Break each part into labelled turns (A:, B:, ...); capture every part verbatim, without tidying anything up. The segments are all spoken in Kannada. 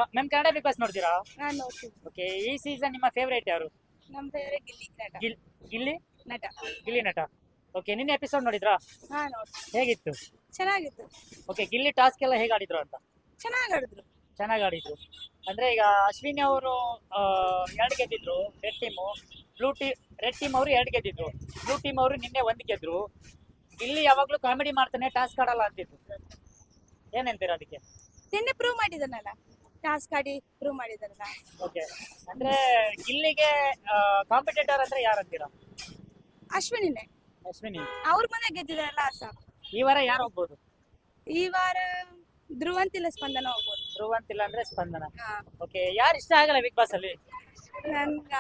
A: ಮ್ಯಾಮ್ ಕನ್ನಡ ಬಿಗ್ ಬಾಸ್ ನೋಡ್ತೀರಾ?
B: ಹಾ ನೋಡ್ತೀವಿ.
A: ಓಕೆ, ಈ ಸೀಸನ್ ನಿಮ್ಮ ಫೇವರೇಟ್ ಯಾರು?
B: ನಮ್ ಫೇವರೇಟ್ ಗಿಲ್ಲಿ ನಟ.
A: ಗಿಲ್ ಗಿಲ್ಲಿ
B: ನಟ.
A: ಗಿಲ್ಲಿ ನಟ. ಓಕೆ, ನಿನ್ನೆ ಎಪಿಸೋಡ್ ನೋಡಿದ್ರಾ?
B: ಹಾ ನೋಡ್ತೀವಿ.
A: ಹೇಗಿತ್ತು?
B: ಚೆನ್ನಾಗಿತ್ತು.
A: ಓಕೆ, ಗಿಲ್ಲಿ ಟಾಸ್ಕ್ ಎಲ್ಲ ಹೇಗೆ ಆಡಿದ್ರು ಅಂತ?
B: ಚೆನ್ನಾಗಿ ಆಡಿದ್ರು.
A: ಚೆನ್ನಾಗಿ ಆಡಿದ್ರು. ಅಂದ್ರೆ ಈಗ ಅಶ್ವಿನಿ ಅವರು ಎರಡು ಗೆದ್ದಿದ್ರು red team, blue team red team ಅವರು ಎರಡು ಗೆದ್ದಿದ್ರು, ಬ್ಲೂ ಟೀಮ್ ಅವರು ನಿನ್ನೆ ಒಂದು ಗೆದ್ರು. ಗಿಲ್ಲಿ ಯಾವಾಗ್ಲೂ ಕಾಮಿಡಿ ಮಾಡ್ತಾನೆ, ಟಾಸ್ಕ್ ಆಡಲ್ಲ ಅಂತಿದ್ರು. ಏನಂತೀರಾ ಅದಕ್ಕೆ?
B: ನಿನ್ನೆ ಪ್ರೂವ್ ಮಾಡಿದಾನಲ್ಲ, ಟಾಸ್ಕ್ ಆಡಿ ಪ್ರೂವ್ ಮಾಡಿದಾನಲ್ಲ.
A: ಓಕೆ, ಅಂದ್ರೆ ಗಿಲ್ಲಿಗೆ ಕಾಂಪಿಟೇಟರ್ ಅಂದ್ರೆ ಯಾರು ಅಂತೀರಾ?
B: ಅಶ್ವಿನಿನೇ.
A: ಅಶ್ವಿನಿ.
B: ಅವ್ರ ಮನೆ ಗೆದ್ದಿದಾರಲ್ಲ ಸಾಕು.
A: ಈ ವಾರ ಯಾರು ಹೋಗ್ಬೋದು?
B: ಈ ವಾರ ಧ್ರುವಂತಿಲ್ಲ ಸ್ಪಂದನ ಹೋಗ್ಬೋದು.
A: ಧ್ರುವಂತಿಲ್ಲ ಅಂದ್ರೆ ಸ್ಪಂದನ.
B: ಹಾ
A: ಓಕೆ, ಯಾರು ಇಷ್ಟ ಆಗಲ್ಲ ಬಿಗ್ ಬಾಸ್ ಅಲ್ಲಿ?
B: ನನ್ಗ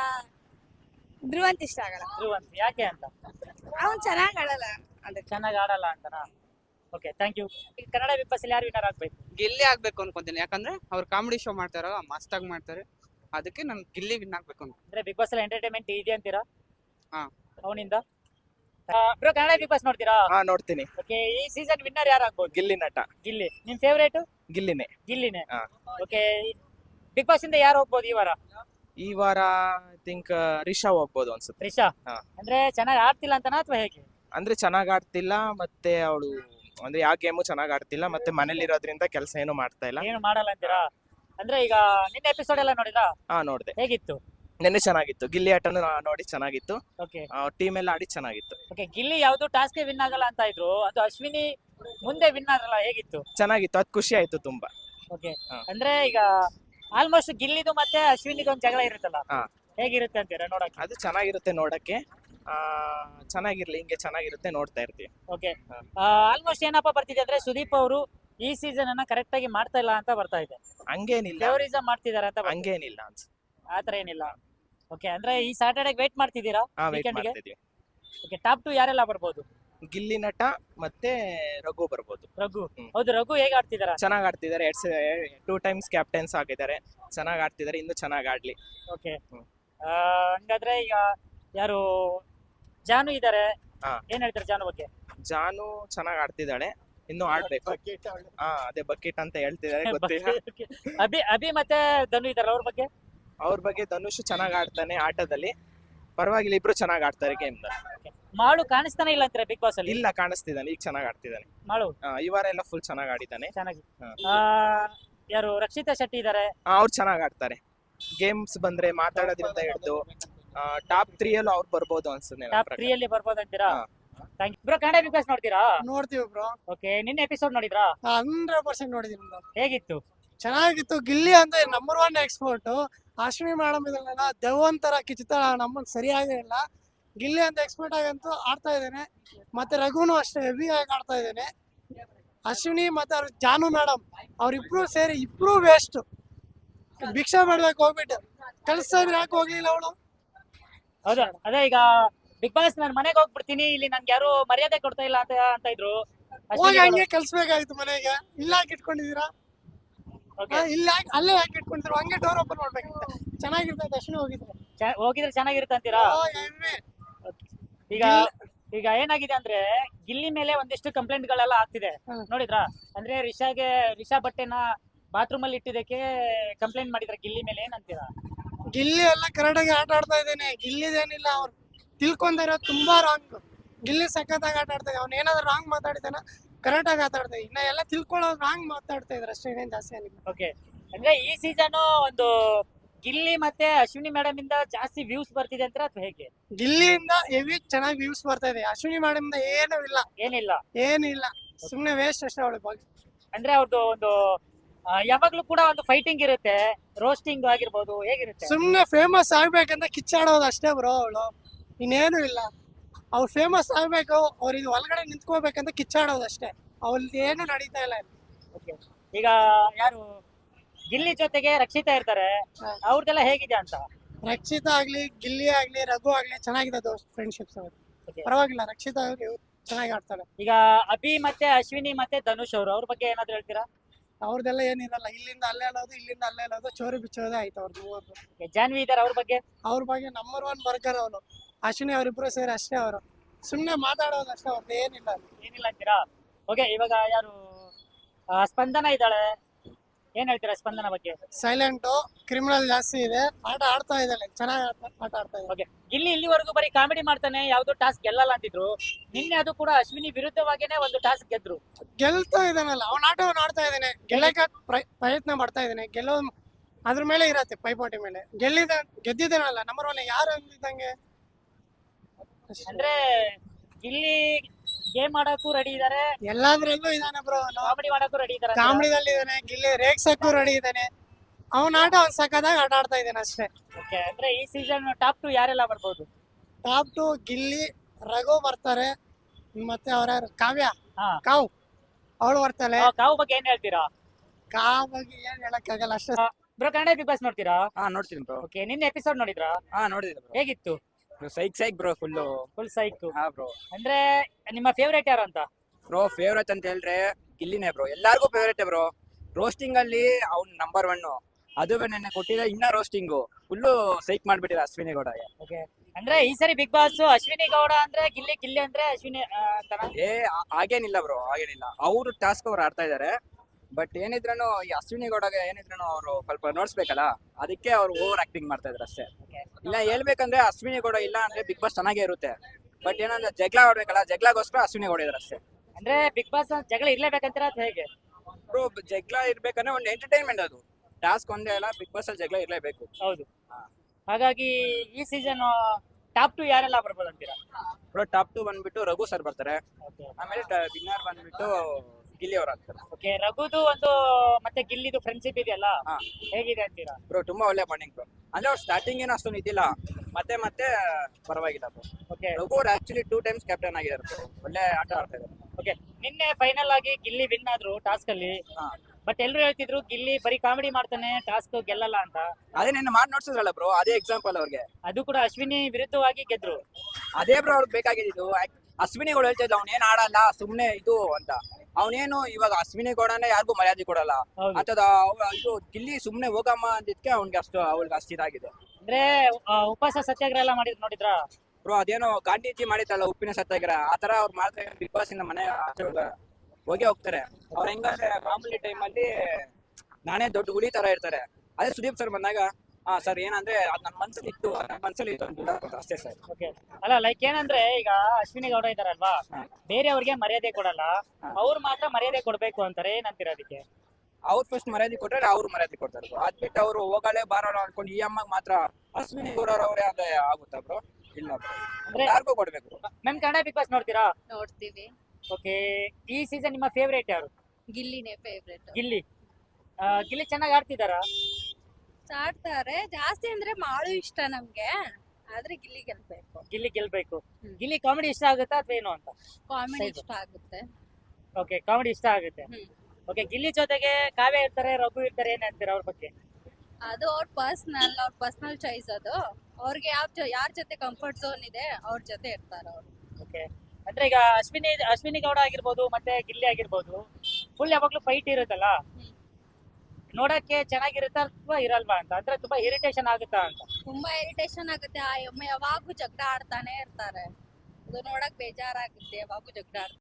B: ಧ್ರುವಂತ್ ಇಷ್ಟ ಆಗಲ್ಲ.
A: ಧ್ರುವಂತ್ ಯಾಕೆ ಅಂತ?
B: ಅವ್ನ್ ಚೆನ್ನಾಗ್ ಆಡಲ್ಲ ಅದಕ್ಕೆ.
A: ಚೆನ್ನಾಗಿ ಆಡಲ್ಲ ಅಂತನಾ? Okay, thank you. Kannada Bigg Boss ಅಲ್ಲಿ ಯಾರು ವಿನ್ನರ್ ಆಗ್ಬೇಕು?
C: ಗಿಲ್ಲಿ ಆಗ್ಬೇಕು ಅನ್ಕೊಂತೀನಿ, ಯಾಕಂದ್ರೆ ಅವ್ರು ಕಾಮಿಡಿ ಶೋ ಮಾಡ್ತಾರಲ್ಲ, ಮಸ್ತಾಗಿ ಮಾಡ್ತಾರೆ. ಅದಕ್ಕೆ ನನ್ ಗಿಲ್ಲಿ ವಿನ್ ಆಗ್ಬೇಕು ಅಂತ.
A: ಅಂದ್ರೆ ಬಿಗ್ ಬಾಸ್ ಅಲ್ಲಿ ಎಂಟರ್ಟೈನ್ಮೆಂಟ್ ಇದೆ ಅಂತೀರಾ?
C: ಹಾ.
A: ಅವನಿಂದ ಬ್ರೋ, ಕನ್ನಡ ಬಿಗ್ ಬಾಸ್ ನೋಡ್ತೀರಾ?
D: ಹಾ ನೋಡ್ತೀನಿ.
A: ಓಕೆ, ಈ ಸೀಸನ್ ವಿನ್ನರ್ ಯಾರು ಆಗ್ಬೋದು?
D: ಗಿಲ್ಲಿ ನಟ.
A: ಗಿಲ್ಲಿ. ನಿಮ್ ಫೇವರೇಟ್?
D: ಗಿಲ್ಲಿನೇ.
A: ಗಿಲ್ಲಿನೇ.
D: ಹಾ.
A: ಓಕೆ, ಬಿಗ್ ಬಾಸ್ ಇಂದ ಯಾರು ಹೋಗ್ಬೋದು ಈ ವಾರ?
D: ಈ ವಾರ ಐ ಥಿಂಕ್ ರಿಷಾ ಹೋಗ್ಬೋದು ಅನ್ಸುತ್ತೆ.
A: ರಿಷಾ.
D: ಹಾ.
A: ಅಂದ್ರೆ ಚೆನ್ನಾಗಿ ಆಡ್ತಿಲ್ಲ ಅಂತನಾ ಅಥವಾ ಹೇಗೆ?
D: ಅಂದ್ರೆ ಚೆನ್ನಾಗ್ ಆಡ್ತಿಲ್ಲ, ಮತ್ತೆ ಅವಳು ಅಂದ್ರೆ ಯಾವ ಗೇಮು ಚೆನ್ನಾಗ್ ಆಡ್ತಿಲ್ಲ, ಮತ್ತೆ ಮನೇಲಿ ಇರೋದ್ರಿಂದ ಕೆಲಸ ಏನು ಮಾಡ್ತಾ ಇಲ್ಲ.
A: ಏನು ಮಾಡಲ್ಲ ಅಂತೀರಾ? ಅಂದ್ರೆ ಈಗ ನಿನ್ನೆ ಎಪಿಸೋಡ್ ಎಲ್ಲ ನೋಡಿದ್ರಾ?
D: ಹಾ ನೋಡ್ದೆ.
A: ಹೇಗಿತ್ತು?
D: ನೆನ್ನೆ ಚೆನ್ನಾಗಿತ್ತು, ಗಿಲ್ಲಿ ಆಟನು ನಾ- ನೋಡಿ ಚೆನ್ನಾಗಿತ್ತು.
A: ಓಕೆ.
D: ಟೀಮ್ ಎಲ್ಲ ಆಡಿ ಚೆನ್ನಾಗಿತ್ತು.
A: ಓಕೆ, ಗಿಲ್ಲಿ ಯಾವ್ದು ಟಾಸ್ಕ್ ವಿನ್ ಆಗಲ್ಲ ಅಂತ ಇದ್ರು, ಅದು ಅಶ್ವಿನಿ ಮುಂದೆ ವಿನ್ ಆದ್ರಲ್ಲ, ಹೇಗಿತ್ತು?
D: ಚೆನ್ನಾಗಿತ್ತು, ಅದ್ ಖುಷಿ ಆಯ್ತು ತುಂಬಾ.
A: ಓಕೆ,
D: ಹಾ.
A: ಅಂದ್ರೆ ಈಗ ಆಲ್ಮೋಸ್ಟ್ ಗಿಲ್ಲಿದು ಮತ್ತೆ ಅಶ್ವಿನಿದು ಒಂದು ಜಗಳ ಇರುತ್ತಲ್ಲ,
D: ಹಾ.
A: ಹೇಗಿರುತ್ತೆ ಅಂತೀರಾ ನೋಡಕ್ಕೆ?
D: ಅದು ಚೆನ್ನಾಗಿರುತ್ತೆ ನೋಡಕ್ಕೆ. ಆ ಚೆನ್ನಾಗಿರ್ಲಿ, ಹಿಂಗೆ ಚೆನ್ನಾಗಿರುತ್ತೆ, ನೋಡ್ತಾ ಇರ್ತೀವಿ.
A: ಓಕೆ,
D: ಹಾ.
A: ಆಲ್ಮೋಸ್ಟ್ ಏನಪ್ಪ ಬರ್ತಿದೆ ಅಂದ್ರೆ ಸುದೀಪ್ ಅವರು ಈ ಸೀಸನ್ ಅನ್ನ ಕರೆಕ್ಟ್ ಆಗಿ ಮಾಡ್ತಾ ಇಲ್ಲ ಅಂತ ಬರ್ತಾ ಇದೆ.
D: ಹಂಗೇನಿಲ್ಲ,
A: ಫೇವರಿಸಂ ಮಾಡ್ತಿದಾರೆ ಅಂತ ಬರ್ತಾ ಇದೆ.
D: ಹಂಗೇನಿಲ್ಲ ಅನ್ಸ.
A: ಆತರ ಏನಿಲ್ಲ. ಓಕೆ, ಅಂದ್ರೆ ಈ ಸ್ಯಾಟರ್ಡೆ ವೇಟ್ ಮಾಡ್ತಿದ್ದೀರಾ
D: ಹಾ ವೇಟ್
A: ವೀಕೆಂಡ್ಗೆ?
D: ಮಾಡ್ತಿದೀವಿ.
A: ಓಕೆ, ಟಾಪ್ ಟು ಯಾರೆಲ್ಲ ಬರ್ಬೋದು?
D: ಗಿಲ್ಲಿ ನಟ ಮತ್ತೆ ರಘು ಬರ್ಬೋದು.
A: ರಘು.
D: ಹ್ಮ್.
A: ಹೌದು, ರಘು ಹೇಗೆ ಆಡ್ತಿದಾರ?
D: ಚೆನ್ನಾಗ್ ಆಡ್ತಿದ್ದಾರೆ, ಟೂ ಟೈಮ್ಸ್ ಕ್ಯಾಪ್ಟನ್ಸ್ ಆಗಿದ್ದಾರೆ, ಚೆನ್ನಾಗ್ ಆಡ್ತಿದ್ದಾರೆ, ಇನ್ನು ಚೆನ್ನಾಗ್ ಆಡ್ಲಿ.
A: ಓಕೆ,
D: ಹ್ಮ್.
A: ಹಂಗಾದ್ರೆ ಈಗ ಯಾರು ಜಾನು ಇದಾರೆ,
D: ಹಾ.
A: ಏನ್ ಹೇಳ್ತಾರೆ ಜಾನು ಬಗ್ಗೆ?
D: ಜಾನು ಚೆನ್ನಾಗ್ ಆಡ್ತಿದ್ದಾಳೆ, ಇನ್ನು ಆಡ್ಬೇಕು. ಹಾ ಅದೇ ಬಕೆಟ್ ಅಂತ ಹೇಳ್ತಿದ್ದಾರೆ, ಗೊತ್ತಿಲ್ಲ.
A: Okay. ಅಭಿ ಅಭಿ ಮತ್ತೆ ಧನು ಇದಾರೆ, ಅವ್ರ ಬಗ್ಗೆ?
D: ಅವ್ರ ಬಗ್ಗೆ ಧನುಷ್ ಚೆನ್ನಾಗ್ ಆಡ್ತಾನೆ ಆಟದಲ್ಲಿ, ಪರವಾಗಿಲ್ಲ, ಇಬ್ರು ಚೆನ್ನಾಗ್ ಆಡ್ತಾರೆ ಗೇಮ್.
A: ಮಾಳು ಕಾಣಿಸ್ತಾನೆ ಇಲ್ಲ ಅಂತಾರೆ ಬಿಗ್ ಬಾಸ್ ಅಲ್ಲಿ?
D: ಇಲ್ಲ, ಕಾಣಿಸ್ತಿದ್ದಾನೆ, ಈಗ ಚೆನ್ನಾಗ್ ಆಡ್ತಿದ್ದಾನೆ.
A: ಮಾಳು
D: ಆ, ಈ ವಾರ ಎಲ್ಲ ಫುಲ್ ಚೆನ್ನಾಗ್ ಆಡಿದ್ದಾನೆ.
A: ಚೆನ್ನಾಗಿ.
D: ಹಾ.
A: ಆ, ಯಾರು ರಕ್ಷಿತಾ ಶೆಟ್ಟಿ ಇದಾರೆ?
D: ಅವ್ರು ಚೆನ್ನಾಗ್ ಆಡ್ತಾರೆ, ಗೇಮ್ಸ್ ಬಂದ್ರೆ ಮಾತಾಡೋದ್ರಿಂದ ಹಿಡಿದು ಟಾಪ್ ತ್ರೀ ಅಲ್ಲೂ ಅವ್ರು ಬರ್ಬೋದು ಅನ್ಸುತ್ತೆ ನನ್ನ
A: ಟಾಪ್
D: ಪ್ರಕಾರ.
A: ತ್ರೀ ಅಲ್ಲಿ ಬರ್ಬೋದು ಅಂತೀರಾ?
D: ಹಾ.
A: Thank you bro. Kannada Bigg Boss ನೋಡ್ತೀರಾ?
E: ನೋಡ್ತೀವಿ ಬ್ರೋ.
A: ಓಕೆ, ನಿನ್ನೆ ಎಪಿಸೋಡ್ ನೋಡಿದ್ರಾ?
E: ಹಂಡ್ರೆಡ್ ಪರ್ಸೆಂಟ್ ನೋಡಿದೀನಿ ಬ್ರೋ.
A: ಹೇಗಿತ್ತು?
E: ಚೆನ್ನಾಗಿತ್ತು. ಗಿಲ್ಲಿ ಅಂತ number one export. Ashwini madam ಇದಲ್ಲ ದೆವ್ವಂತರ ಕಿಚಿತ ನಮ್ಮನ್ನ ಸರಿಯಾಗೇ ಇಲ್ಲ. ಗಿಲ್ಲಿ ಅಂತ ಎಕ್ಸ್ಪರ್ಟ್ ಆಗಂತೂ ಆಡ್ತಾ ಇದ್ದೇನೆ, ಮತ್ತೆ ರಘುನು ಅಷ್ಟೇ ಹೆವಿ ಆಗಿ ಆಡ್ತಾ ಇದ್ದೇನೆ. ಅಶ್ವಿನಿ ಮತ್ತೆ ಅವ್ರ ಜಾನು ಮೇಡಮ್ ಅವ್ರಿಬ್ರು ಸೇರಿ ಇಬ್ರು ವೇಸ್ಟ್. ಭಿಕ್ಷಾ ಮಾಡ್ಬೇಕು ಹೋಗ್ಬಿಟ್ಟು, ಕೆಲಸ ಯಾಕೆ ಹೋಗ್ಲಿಲ್ಲ ಅವಳು?
A: ಹೌದಾ? ಅದೇ ಈಗ ಬಿಗ್ ಬಾಸ್ ನಾನು ಮನೆಗೆ ಹೋಗ್ಬಿಡ್ತೀನಿ, ಇಲ್ಲಿ ನನ್ಗೆ ಯಾರು ಮರ್ಯಾದೆ ಕೊಡ್ತಾ ಇಲ್ಲ ಅಂತ ಅಂತ ಇದ್ರು
E: ಹೋಗಿ
A: ಅಶ್ವಿನಿ
E: ಹಂಗೆ ಕಲ್ಸ್ಬೇಕಾಗಿತ್ತು ಮನೆಗೆ. ಇಲ್ಲ ಯಾಕೆ ಇಟ್ಕೊಂಡಿದೀರಾ?
A: ಓಕೆ,
E: ಹಾ, ಇಲ್ಲ ಯಾಕೆ ಅಲ್ಲೇ ಯಾಕೆ ಇಟ್ಕೊಂಡಿದ್ರು? ಹಂಗೆ ಡೋರ್ ಓಪನ್ ಮಾಡ್ಬೇಕಿತ್ತು, ಚೆನ್ನಾಗಿರ್ತೈತೆ. ಅಶ್ವಿನಿ ಹೋಗಿದ್ರೆ
A: ಚ- ಹೋಗಿದ್ರೆ ಚೆನ್ನಾಗಿರುತ್ತೆ ಅಂತೀರಾ?
E: ಓ, ಹೆಮ್ಮೆ.
A: ಈಗ ಈಗ ಏನಾಗಿದೆ ಅಂದ್ರೆ ಗಿಲ್ಲಿ ಮೇಲೆ ಒಂದಿಷ್ಟು ಕಂಪ್ಲೇಂಟ್ ಗಳೆಲ್ಲ ಆಗ್ತಿದೆ,
E: ಹ್ಮ್.
A: ನೋಡಿದ್ರಾ? ಅಂದ್ರೆ ರಿಷಾಗೆ ರಿಷಾ ಬಟ್ಟೆನ ಬಾತ್ರೂಮ್ ಅಲ್ಲಿ ಇಟ್ಟಿದ್ದಕ್ಕೆ ಕಂಪ್ಲೇಂಟ್ ಮಾಡಿದ್ರೆ ಗಿಲ್ಲಿ ಮೇಲೆ, ಏನಂತೀರಾ?
E: ಗಿಲ್ಲಿ ಎಲ್ಲ ಕರೆಕ್ಟಾಗಿ ಆಟ ಆಡ್ತಾ ಇದ್ದೇನೆ, ಗಿಲ್ಲಿದೇನಿಲ್ಲ. ಅವ್ರು ತಿಳ್ಕೊಂಡ್ರೆ ತುಂಬಾ ರಾಂಗ್. ಗಿಲ್ಲಿ ಸಖತ್ತಾಗಿ ಆಟ ಆಡ್ತಾ ಅವ್ನು ಏನಾದ್ರು ರಾಂಗ್ ಮಾತಾಡಿದಾನ, ಕರೆಕ್ಟ್ ಆಗಿ ಮಾತಾಡ್ತಾ. ಇನ್ನ ಎಲ್ಲ ತಿಳ್ಕೊಳ್ಳೋದು ರಾಂಗ್ ಮಾತಾಡ್ತಾ ಇದ್ರು ಅಷ್ಟೇ, ಏನೇನ್ ಜಾಸ್ತಿ ಏನಿಲ್ಲ.
A: ಓಕೆ, ಅಂದ್ರೆ ಈ ಸೀಸನ್ ಒಂದು ಗಿಲ್ಲಿ ಮತ್ತೆ ಅಶ್ವಿನಿ ಮೇಡಮ್ ಇಂದ ಜಾಸ್ತಿ ವ್ಯೂಸ್ ಬರ್ತಿದೆ ಅಂತ ಅಥವಾ ಹೇಗೆ?
E: ಗಿಲ್ಲಿಯಿಂದ ಹೆವಿ ಚೆನ್ನಾಗಿ ವ್ಯೂಸ್ ಬರ್ತಾ ಇದೆ. ಅಶ್ವಿನಿ ಮೇಡಮ್ ಇಂದ ಏನೂ ಇಲ್ಲ,
A: ಏನಿಲ್ಲ.
E: ಏನಿಲ್ಲ, ಸುಮ್ನೆ ವೇಸ್ಟ್ ಅಷ್ಟೇ ಅವಳು ಬಗ್ಗೆ.
A: ಅಂದ್ರೆ ಅವ್ರದ್ದು ಒಂದು ಆ, ಯಾವಾಗ್ಲೂ ಕೂಡ ಒಂದು ಫೈಟಿಂಗ್ ಇರುತ್ತೆ, ರೋಸ್ಟಿಂಗ್ ಆಗಿರ್ಬೋದು, ಹೇಗಿರುತ್ತೆ?
E: ಸುಮ್ನೆ ಫೇಮಸ್ ಆಗ್ಬೇಕಂತ ಕಿಚ್ಚಾಡೋದು ಅಷ್ಟೇ ಬ್ರೋ ಅವಳು, ಇನ್ನೇನು ಇಲ್ಲ. ಅವ್ರು ಫೇಮಸ್ ಆಗ್ಬೇಕು, ಅವ್ರು ಇದು ಒಳಗಡೆ ನಿಂತ್ಕೋಬೇಕಂತ ಕಿಚ್ಚಾಡೋದು ಅಷ್ಟೇ, ಅವ್ರದ್ದು ಏನು ನಡೀತಾ ಇಲ್ಲ.
A: Okay. ಈಗ ಯಾರು ಗಿಲ್ಲಿ ಜೊತೆಗೆ ರಕ್ಷಿತಾ ಇರ್ತಾರೆ,
E: ಹಾ.
A: ಅವ್ರದ್ದೆಲ್ಲ ಹೇಗಿದೆ ಅಂತ?
E: ರಕ್ಷಿತಾ ಆಗ್ಲಿ, ಗಿಲ್ಲಿ ಆಗ್ಲಿ, ರಘು ಆಗ್ಲಿ ಚೆನ್ನಾಗಿದೆ ದೋಸ್ತ್ ಫ್ರೆಂಡ್ಶಿಪ್ಸ್ ಅವರು,
A: Okay.
E: ಪರವಾಗಿಲ್ಲ. ರಕ್ಷಿತಾ ಅವ್ರು ಚೆನ್ನಾಗಿ ಆಡ್ತಾಳೆ.
A: ಈಗ ಅಭಿ ಮತ್ತೆ ಅಶ್ವಿನಿ ಮತ್ತೆ ಧನುಷ್ ಅವರು, ಅವ್ರ ಬಗ್ಗೆ ಏನಾದ್ರು ಹೇಳ್ತೀರಾ?
E: ಅವ್ರದ್ದೆಲ್ಲ ಏನಿರಲ್ಲ, ಇಲ್ಲಿಂದ ಅಲ್ಲೇ ಹೇಳೋದು, ಇಲ್ಲಿಂದ ಅಲ್ಲೇ ಹೇಳೋದು, ಚೋರಿ ಬಿಚ್ಚೋದೇ ಆಯ್ತು ಅವ್ರದ್ದು ಮೂವತ್ತು.
A: Okay, ಜಾನ್ವಿ ಇದಾರೆ, ಅವ್ರ ಬಗ್ಗೆ?
E: ಅವ್ರ ಬಗ್ಗೆ ನಂಬರ್ ಒನ್ ಬರ್ಗರ್ ಅವನು, ಅಶ್ವಿನಿ ಅವರಿಬ್ರು ಸೇರಿ ಅಷ್ಟೇ. ಅವರು ಸುಮ್ಮನೆ ಮಾತಾಡೋದು ಅಷ್ಟೇ, ಅವ್ರದ್ದು ಏನಿಲ್ಲ.
A: ಏನಿಲ್ಲ ಅಂತೀರಾ? ಓಕೆ, ಇವಾಗ ಯಾರು ಆ, ಸ್ಪಂದನ ಇದ್ದಾಳೆ, ಏನ್ ಹೇಳ್ತೀರಾ ಸ್ಪಂದನ ಬಗ್ಗೆ?
E: ಸೈಲೆಂಟು, ಕ್ರಿಮಿನಲ್ ಜಾಸ್ತಿ ಇದೆ, ಆಟ ಆಡ್ತಾ ಇದ್ದಾಳೆ, ಚೆನ್ನಾಗಿ ಆಟ ಆಡ್ತಾ ಇದ್ದಾಳೆ.
A: ಓಕೆ, ಗಿಲ್ಲಿ ಇಲ್ಲಿವರೆಗೂ ಬರೀ ಕಾಮಿಡಿ ಮಾಡ್ತಾನೆ, ಯಾವ್ದು ಟಾಸ್ಕ್ ಗೆಲ್ಲಲ್ಲ ಅಂತಿದ್ರು. ನಿನ್ನೆ ಅದು ಕೂಡ ಅಶ್ವಿನಿ ವಿರುದ್ಧವಾಗೇನೆ ಒಂದು ಟಾಸ್ಕ್ ಗೆದ್ರು.
E: ಗೆಲ್ತಾ ಇದ್ದಾನಲ್ಲ, ಅವನ ಆಟವನ್ನು ಆಡ್ತಾ ಇದ್ದಾನೆ, ಗೆಲ್ಲಕ್ಕೆ ಪ್ರಯ- ಪ್ರಯತ್ನ ಪಡ್ತಾ ಇದ್ದಾನೆ. ಗೆಲ್ಲೋ ಅದ್ರ ಮೇಲೆ ಇರತ್ತೆ, ಪೈಪೋಟಿ ಮೇಲೆ. ಗೆಲ್ಲಿದ ಗೆದ್ದಿದ್ದಾನಲ್ಲ ನಂಬರ್ ಒನ್, ಯಾರು ಅಂದಿದ್ದಂಗೆ.
A: ಅಂದ್ರೆ ಗಿಲ್ಲಿ ಗೇಮ್ ಆಡಕ್ಕೂ ರೆಡಿ ಇದಾರೆ,
E: ಎಲ್ಲಾದ್ರಲ್ಲೂ ಇದಾನೆ ಬ್ರೋ.
A: ಕಾಮಿಡಿ ಮಾಡಕ್ಕೂ ರೆಡಿ ಇದಾರೆ.
E: ಕಾಮಿಡಿದಲ್ಲಿ ಇದ್ದಾನೆ, ಗಿಲ್ಲಿ ರೇಗ್ಸಕ್ಕೂ ರೆಡಿ ಇದ್ದಾನೆ. ಅವನ ಆಟ ಅವ್ನು ಸಕ್ಕದಾಗ ಆಟ ಆಡ್ತಾ ಇದ್ದಾನೆ ಅಷ್ಟೇ.
A: ಓಕೆ, ಅಂದ್ರೆ ಈ ಸೀಸನ್ ಟಾಪ್ ಟು ಯಾರೆಲ್ಲ ಬರ್ಬೋದು?
E: ಟಾಪ್ ಟು ಗಿಲ್ಲಿ, ರಘು ಬರ್ತಾರೆ, ಮತ್ತೆ ಅವ್ರ ಕಾವ್ಯ,
A: ಹಾ,
E: ಕಾವ್ ಅವಳು ಬರ್ತಾಳೆ.
A: ಆ, ಕಾವು ಬಗ್ಗೆ ಏನ್ ಹೇಳ್ತೀರಾ?
E: ಕಾವ್ ಬಗ್ಗೆ ಏನ್ ಹೇಳಕ್ಕಾಗಲ್ಲ ಅಷ್ಟೇ.
A: ಬ್ರೋ, ಕನ್ನಡ ಬಿಗ್ ಬಾಸ್ ನೋಡ್ತೀರಾ?
F: ಹಾ ನೋಡ್ತೀನಿ ಬ್ರೋ.
A: ಓಕೆ, ನಿನ್ನೆ ಎಪಿಸೋಡ್ ನೋಡಿದ್ರಾ?
F: ಹಾ ನೋಡಿದ್ದೀನಿ ಬ್ರೋ.
A: ಹೇಗಿತ್ತು?
F: Psych psych bro full.
A: Full psych.
F: ಹಾ ಬ್ರೋ.
A: ಅಂದ್ರೆ ನಿಮ್ಮ ಫೇವರೇಟ್ ಯಾರು ಅಂತ?
F: ಬ್ರೋ ಫೇವ್ರೇಟ್ ಅಂತ ಹೇಳ್ರೆ ಗಿಲ್ಲಿನೇ ಬ್ರೋ, ಎಲ್ಲಾರ್ಗು ಫೇವ್ರೇಟ್ ಬ್ರೋ. ರೋಸ್ಟಿಂಗ್ ಅಲ್ಲಿ ಅವ್ನ್ ನಂಬರ್ ಒನ್. ಅದು ನೆನ್ನೆ ಕೊಟ್ಟಿದ್ರೆ ಇನ್ನ ರೋಸ್ಟಿಂಗು ಫುಲ್ಲು ಸೈಕ್ ಮಾಡ್ಬಿಟ್ಟಿರ ಅಶ್ವಿನಿ ಗೌಡಗೆ.
A: ಓಕೆ, ಅಂದ್ರೆ ಈ ಸರಿ ಬಿಗ್ ಬಾಸ್ ಅಶ್ವಿನಿ ಗೌಡ ಅಂದ್ರೆ ಗಿಲ್ಲಿ, ಗಿಲ್ಲಿ ಅಂದ್ರೆ ಅಶ್ವಿನಿ ಆ, ಅಂತನಾ?
F: ಏ ಆ- ಹಾಗೇನಿಲ್ಲ ಬ್ರೋ, ಹಾಗೇನಿಲ್ಲ. ಅವ್ರು ಟಾಸ್ಕ್ ಅವ್ರು ಆಡ್ತಾ ಇದಾರೆ. ಬಟ್ ಏನಿದ್ರೂ ಈ ಅಶ್ವಿನಿ ಗೌಡಗೆ ಏನಿದ್ರು ಅವರು ಸ್ವಲ್ಪ ನೋಡ್ಸ್ಬೇಕಲ್ಲ, ಅದಕ್ಕೆ ಅವ್ರು ಓವರ್ ಆಕ್ಟಿಂಗ್ ಮಾಡ್ತಾ ಇದಾರೆ ಅಷ್ಟೇ. ಇಲ್ಲ ಹೇಳ್ಬೇಕಂದ್ರೆ ಅಶ್ವಿನಿ ಗೌಡ ಇಲ್ಲ ಅಂದ್ರೆ ಬಿಗ್ ಬಾಸ್ ಚೆನ್ನಾಗೇ ಇರುತ್ತೆ. ಬಟ್ ಏನಂದ್ರೆ ಜಗಳ ಆಡ್ಬೇಕಲ್ಲ, ಜಗಳಗೋಸ್ಕರ ಅಶ್ವಿನಿ ಗೌಡ ಇದಾರೆ ಅಷ್ಟೇ.
A: ಅಂದ್ರೆ ಬಿಗ್ ಬಾಸ್ ಜಗಳ ಇರ್ಲೇಬೇಕಂತೀರಾ ಅಥವಾ ಹೇಗೆ?
F: ಬ್ರೋ ಜಗಳ ಇರ್ಬೇಕಂದ್ರೆ ಒಂದು ಎಂಟರ್ಟೈನ್ಮೆಂಟ್ ಅದು. ಟಾಸ್ಕ್ ಒಂದೇ ಅಲ್ಲ, ಬಿಗ್ ಬಾಸ್ ಅಲ್ಲಿ ಜಗಳ ಇರ್ಲೇಬೇಕು.
A: ಹೌದು. ಹಾಗಾಗಿ ಈ ಸೀಸನ್ ಟಾಪ್ ಟು ಯಾರೆಲ್ಲ ಬರ್ಬೋದು ಅಂತೀರಾ?
F: ಬ್ರೋ ಟಾಪ್ ಟು ಬಂದ್ಬಿಟ್ಟು ರಘು ಸರ್ ಬರ್ತಾರೆ.
A: ಓಕೆ,
F: ಆಮೇಲೆ ವಿನ್ನರ್ ಬಂದ್ಬಿಟ್ಟು ಗಿಲ್ಲಿ ಅವ್ರು ಆಗ್ತಾರೆ.
A: ಓಕೆ, ರಘುದು ಒಂದು ಮತ್ತೆ ಗಿಲ್ಲಿದು ಫ್ರೆಂಡ್ಶಿಪ್ ಇದೆಯಲ್ಲ,
F: ಹಾ.
A: ಹೇಗಿದೆ ಅಂತೀರಾ?
F: ಬ್ರೋ ತುಂಬಾ ಒಳ್ಳೆ ಬಾಂಡಿಂಗ್ ಬ್ರೋ. ಅಂದ್ರೆ ಅವ್ರು ಸ್ಟಾರ್ಟಿಂಗ್ ಏನೋ ಅಷ್ಟೊಂದು ಇದ್ದಿಲ್ಲ, ಮತ್ತೆ ಮತ್ತೆ ಪರವಾಗಿಲ್ಲ ಬ್ರೋ.
A: ಓಕೆ,
F: ರಘು ಅವ್ರು ಆಕ್ಚುಲಿ ಟೂ ಟೈಮ್ಸ್ ಕ್ಯಾಪ್ಟನ್ ಆಗಿದ್ದಾರೆ ಬ್ರೋ, ಒಳ್ಳೆ ಆಟ ಆಡ್ತಾ ಇದ್ದಾರೆ.
A: ಓಕೆ, ನಿನ್ನೆ ಫೈನಲ್ ಆಗಿ ಗಿಲ್ಲಿ ವಿನ್ ಆದ್ರು ಟಾಸ್ಕ್ ಅಲ್ಲಿ.
F: ಹಾ.
A: ಬಟ್ ಎಲ್ರು ಹೇಳ್ತಿದ್ರು ಗಿಲ್ಲಿ ಬರೀ ಕಾಮಿಡಿ ಮಾಡ್ತಾನೆ, ಟಾಸ್ಕ್ ಗೆಲ್ಲಲ್ಲ ಅಂತ.
F: ಅದೇ ನಿನ್ನ ಮಾಡಿ ನೋಡ್ಸಿದ್ರಲ್ಲ ಬ್ರೋ, ಅದೇ ಎಕ್ಸಾಂಪಲ್ ಅವ್ರಿಗೆ.
A: ಅದು ಕೂಡ ಅಶ್ವಿನಿ ವಿರುದ್ಧವಾಗಿ ಗೆದ್ರು.
F: ಅದೇ ಬ್ರೋ ಅವ್ರಿಗೆ ಬೇಕಾಗಿದ್ದು. ಅಶ್ವಿನಿ ಗೌಡ ಹೇಳ್ತಾ ಇದ್ದ ಅವ್ನೇನ್ ಆಡಲ್ಲ ಸುಮ್ನೆ ಇದು ಅಂತ. ಅವನೇನು ಇವಾಗ ಅಶ್ವಿನಿ ಗೌಡನೇ ಯಾರಿಗೂ ಮರ್ಯಾದೆ ಕೊಡಲ್ಲ
A: ಹೌದು.
F: ಅಂತದ. ಇದು ಗಿಲ್ಲಿ ಸುಮ್ನೆ ಹೋಗಮ್ಮ ಅಂದಿದ್ಕೆ ಅವ್ನಿಗೆ ಅಷ್ಟು ಅವ್ಳಿಗೆ ಅಷ್ಟು ಇದಾಗಿದೆ.
A: ಅಂದ್ರೆ ಆ, ಉಪವಾಸ ಸತ್ಯಾಗ್ರಹ ಎಲ್ಲ ಮಾಡಿದ್ ನೋಡಿದ್ರಾ?
F: ಬ್ರೋ ಅದೇನೋ ಗಾಂಧೀಜಿ ಮಾಡಿತ್ತಲ್ಲ ಉಪ್ಪಿನ ಸತ್ಯಾಗ್ರಹ, ಆತರ ಅವ್ರು ಮಾಡ್ತಾರೆ. ಬಿಗ್ ಬಾಸ್ ಇಂದ ಮನೆ ಆಚೆ ಹೋಗ- ಹೋಗೇ ಹೋಗ್ತಾರೆ. ಅವ್ರ ಹೆಂಗಂದ್ರೆ ಮಾಮೂಲಿ ಟೈಮ್ ಅಲ್ಲಿ ನಾನೇ ದೊಡ್ಡ ಹುಲಿ ತರ ಇರ್ತಾರೆ. ಅದೇ ಸುದೀಪ್ ಸರ್ ಬಂದಾಗ ಹಾ ಸರ್ ಏನಂದ್ರೆ ಅದ್ ನನ್ನ ಮನ್ಸಲ್ಲಿ ಇತ್ತು, ನನ್ನ ಮನ್ಸಲ್ಲಿ ಇತ್ತು ಅಂತ ಅಷ್ಟೇ ಸರ್.
A: ಓಕೆ, ಅಲ್ಲ ಲೈಕ್ ಏನಂದ್ರೆ ಈಗ ಅಶ್ವಿನಿ ಗೌಡ ಇದಾರಲ್ವಾ,
F: ಹಾ.
A: ಬೇರೆಯವ್ರಿಗೆ ಮರ್ಯಾದೆ ಕೊಡಲ್ಲ,
F: ಹಾ.
A: ಅವ್ರು ಮಾತ್ರ ಮರ್ಯಾದೆ ಕೊಡ್ಬೇಕು ಅಂತಾರೆ. ಏನಂತೀರ ಅದಕ್ಕೆ?
F: ಅವ್ರು ಫಸ್ಟ್ ಮರ್ಯಾದೆ ಕೊಟ್ರೆ ಅವ್ರು ಮರ್ಯಾದೆ ಕೊಡ್ತಾರೆ ಬ್ರೋ. ಅದ್ ಬಿಟ್ಟು ಅವ್ರು ಹೋಗಲೇ ಬಾರೋಣ ಅನ್ಕೊಂಡು ಈ ಅಮ್ಮಗ್ ಮಾತ್ರ ಅಶ್ವಿನಿ ಗೌಡರವ್ರೆ ಅಂತ ಆಗುತ್ತಾ ಬ್ರೋ? ಇಲ್ಲ ಬ್ರೋ,
A: ಅಂದ್ರೆ
F: ಯಾರಿಗೂ ಕೊಡ್ಬೇಕು.
A: ಮ್ಯಾಮ್, ಕನ್ನಡ ಬಿಗ್ ಬಾಸ್ ನೋಡ್ತೀರಾ?
B: ನೋಡ್ತೀವಿ.
A: ಓಕೆ, ಈ ಸೀಸನ್ ನಿಮ್ಮ ಫೇವರೇಟ್ ಯಾರು?
B: ಗಿಲ್ಲಿನೇ ಫೇವ್ರೇಟ್.
A: ಗಿಲ್ಲಿ. ಆ, ಗಿಲ್ಲಿ ಚೆನ್ನಾಗಿ ಆಡ್ತಿದಾರಾ?
B: ಆಡ್ತಾರೆ ಜಾಸ್ತಿ ಅಂದ್ರೆ ಮಾಳು ಇಷ್ಟ ನಮ್ಗೆ, ಆದ್ರೆ ಗಿಲ್ಲಿ ಗೆಲ್ಬೇಕು.
A: ಗಿಲ್ಲಿ ಗೆಲ್ಬೇಕು.
B: ಹ್ಮ್.
A: ಗಿಲ್ಲಿ ಕಾಮಿಡಿ ಇಷ್ಟ ಆಗುತ್ತಾ ಅಥವಾ ಏನು ಅಂತ?
B: ಕಾಮಿಡಿ
A: ಸರಿ.
B: ಇಷ್ಟ ಆಗುತ್ತೆ.
A: ಓಕೆ, ಕಾಮಿಡಿ ಇಷ್ಟ ಆಗುತ್ತೆ.
B: ಹ್ಮ್.
A: ಓಕೆ, ಗಿಲ್ಲಿ ಜೊತೆಗೆ ಕಾವ್ಯ ಇರ್ತಾರೆ, ರಘು ಇರ್ತಾರೆ, ಏನ್ ಅಂತೀರಾ ಅವ್ರ ಬಗ್ಗೆ?
B: ಅದು ಅವ್ರ ಪರ್ಸನಲ್ ಅವ್ರ ಪರ್ಸನಲ್ ಚಾಯ್ಸ್. ಅದು ಅವ್ರಿಗೆ ಯಾವ ಯಾರ ಜೊತೆ ಕಂಫರ್ಟ್ ಝೋನ್ ಇದೆ ಅವ್ರ ಜೊತೆ ಇರ್ತಾರ ಅವ್ರು.
A: ಓಕೆ, ಅಂದ್ರೆ ಈಗ ಅಶ್ವಿನಿ ಅಶ್ವಿನಿ ಗೌಡ ಆಗಿರ್ಬೋದು ಮತ್ತೆ ಗಿಲ್ಲಿ ಆಗಿರ್ಬೋದು, ಫುಲ್ ಯಾವಾಗ್ಲೂ ಫೈಟ್ ಇರುತ್ತಲ್ಲ,
B: ಹ್ಮ್.
A: ನೋಡಕ್ಕೆ ಚೆನ್ನಾಗಿರುತ್ತಾ ಅಥವಾ ಇರಲ್ವಾ ಅಂತ? ಅಂದ್ರೆ ತುಂಬಾ ಇರಿಟೇಷನ್ ಆಗುತ್ತಾ ಅಂತ?
B: ತುಂಬಾ ಇರಿಟೇಷನ್ ಆಗುತ್ತೆ. ಆ ಅಮ್ಮ ಯಾವಾಗೂ ಜಗಳ ಆಡ್ತಾನೆ ಇರ್ತಾರೆ. ಅದು ನೋಡಕ್ ಬೇಜಾರಾಗುತ್ತೆ, ಯಾವಾಗೂ ಜಗಳ ಆಡ್ತಾರೆ.